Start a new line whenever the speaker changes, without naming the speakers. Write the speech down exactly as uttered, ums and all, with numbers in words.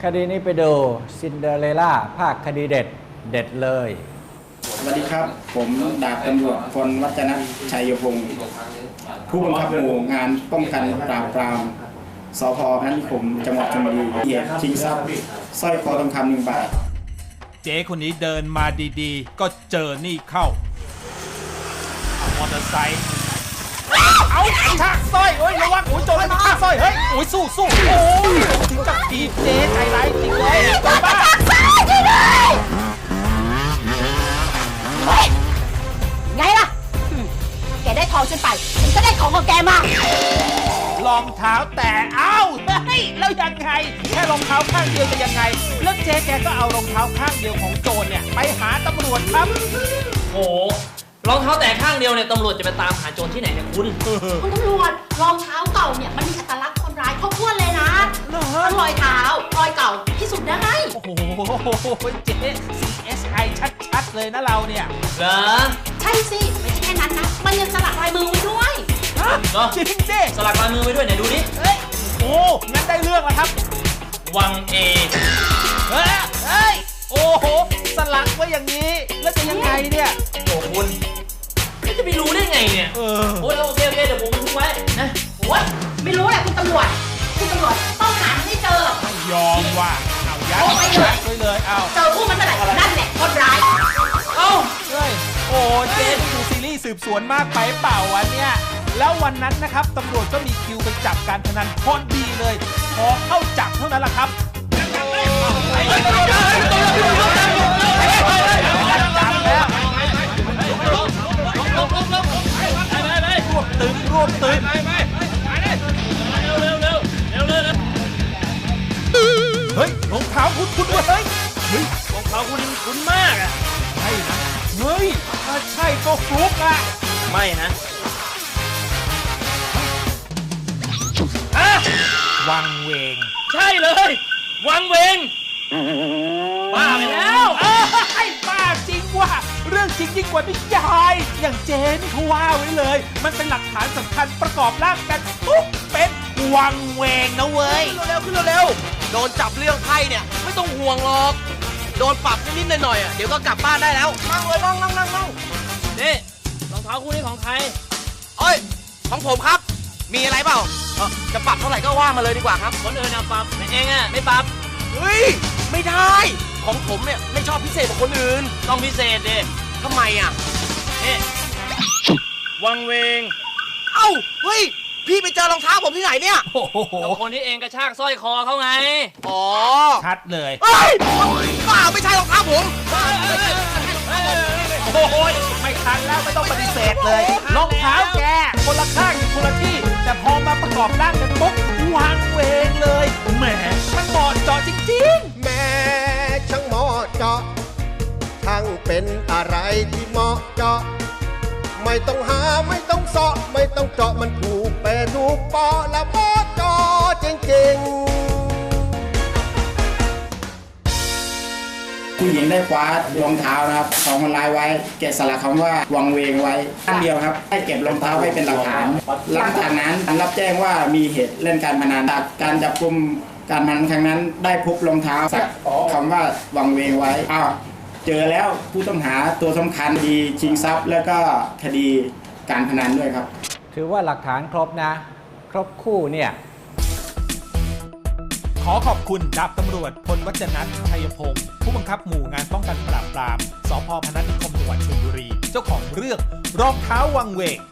คดีนี้ไปดูซินเดอเรลล่าภาคคดีเด็ดเด็ดเลย
สวัสดีครับผมดาบตำรวจพลวัฒนชัยพงศ์ผู้บังคับหมู่งานป้องกันปราบปรามสภ.พนัสนิคมจังหวัดชลบุรีเหตุชิงทรัพย์สร้อยคอทองคำหนึ่งบาท
เจ๊คนนี้เดินมาดีๆก็เจอนี่เข้ามอเตอร์ไซค์เอาชากสร้อยโอ้ยระวังโอ้ยโจรมันชากสร้อยเฮ้ยโอ้ยสู้สู้โอ้ยถึงกับตีเจ๊ใจร้ายจริงเลยโจรบ้า
ไงล่ะแกได้ทองฉันไปฉันก็ได้ของของแกม
ารองเท้าแต่เอ้าเฮ้ยแล้วยังไงแค่รองเท้าข้างเดียวจะยังไงแล้วเจ๊แกก็เอารองเท้าข้างเดียวของโจรเนี่ยไปหาตำรวจครับ
โอ้รองเท้าแต่ข้างเดียวเนี่ยตำรวจจะไปตามหาโจรที่ไหนเนี่ยคุณ
คุณตำรวจรองเท้าเก่าเนี่ยมันมีอัตลักษณ์คนร้ายครบถ้วนเลยนะทั้งรอยเท้ารอยเก่าพิสูจน์ได้
โอ้โหเจ๊ ซี เอส ไอ ชัดๆเลยนะเราเนี่ย
เหรอ
ใช่สิไม่ใช่แค่นั้นนะมันยังสลักลายมือไว้ด้วย
จริงสิ
สลักลายมือไว้ด้วยไหนดูดิ
เฮ้ยโอ้งั้นได้เรื่องแล้วครับ
วังเอ
เฮ้ยเฮ้ยโอ้โหสลักไว้อย่างนี้แล้วจะยังไงเนี่ย
โอ้คุณจะไปรู้ได้ไงเนี่ย
เออ
โอ้ยโอเคโอเคเดี๋ยวผมบันทึกไว้นะโอ้ย
ไม่รู้แหละคุณตำรวจคุณตำรวจต้องหาให้เจอย
อมว่าเอายัดไปเลยเอา
เจอผู้มันเมื่อไหร่นั่นแหละคนร้าย
เอ้าเฮ้ยโอ้เจ๊ดูซีรีส์สืบสวนมากไปเปล่าวะเนี่ยแล้ววันนั้นนะครับตำรวจก็มีคิวไปจับการพนันพอดีเลยพอเข้าจับเท่านั้นแหละครับจับแล้วรวบตึงรวบตึงเฮ้ยรองเท้าคุณคุณเฮ้ย
เฮ้ยรองเท้าคุณคุณมากอ่ะ
ใช่นะเฮ้ยถ้าใช่ก็ฟลุกอ่ะ
ไม่นะ
วังเวง
ใช่เลยวังเวงบ้าไปแล้ว
ไอ้บ้าจริงว่ะเรื่องจริงยิ่งกว่านิยายอย่างเจนี่เขาว่าไว้เลยมันเป็นหลักฐานสำคัญประกอบร่างกันปุ๊บเป็นวังเวงนะเว้ย
ขึ้นเร็วขึ้นเร็วโดนจับเรื่องไพ่เนี่ยไม่ต้องห่วงหรอกโดนปรับนิดๆหน่อยๆอ่ะเดี๋ยวก็กลับบ้านได้แล้วนั่งเลยนั่งนั่งนั่งนั่ง
นี่รองเท้าคู่นี้ของใคร
เอ้ยของผมครับมีอะไรเปล่าจะปรับเท่าไหร่ก็ว่ามาเลยดีกว่าครับ
คนอื่นเอาปรับแต่เองอ่ะไม่ปรับ
เฮ้ยไม่ได้ของผมเนี่ยไม่ชอบพิเศษกว่าคนอื่น
ต้องพิเศษดิ
ทำไมอ่ะ
นี่วังเวง
เอ้าเฮ้ยพี่ไปเจอรองเท้าผมที่ไหนเนี่ย
โอ้โห
คนที่เองกระชากสร้อยคอเขาไง
อ๋อ
ชัดเลย
เฮ้ยบ้าไม่ใช่รองเท้าผม
โอ้ยไม่ทันแล้วไม่ต้องปฏิเสธเลยรองเท้าแกคนละข้างอยู่คนละที่แต่พอมาประกอบร่างกันปุ๊บวางเวงเลยแหมมันเหมาะเจาะจริง
ๆแม่ช่างเหมาะเจาะช่างเป็นอะไรที่เหมาะเจาะไม่ต้องหาไม่ต้องเสาะไม่ต้องเจาะมันถูกเปรถูกปอแล้วเหมาะเจาะจริงๆ
ผู้หญิงได้คว้ารองเท้านะครับของคนร้ายไว้แกะสลักคำว่าวังเวงไว้ข้างเดียวครับให้เก็บรองเท้าไว้เป็นหลักฐานหลังจากนั้นรับแจ้งว่ามีเหตุเล่นการพนันจากการจับกุมการพนันครั้งนั้นได้พบรองเท้าสักคำว่าวังเวงไว้อ้าวเจอแล้วผู้ต้องหาตัวสำคัญคดีชิงทรัพย์แล้วก็คดีการพนันด้วยครับ
ถือว่าหลักฐานครบนะครบคู่เนี่ย
ขอขอบคุณดาบตำรวจพลวัฒนชัยพงศ์ผู้บังคับหมู่งานป้องกันปราบปรามสภ.พนัสนิคมจังหวัดชลบุรีเจ้าของเรื่องรองเท้าวังเวง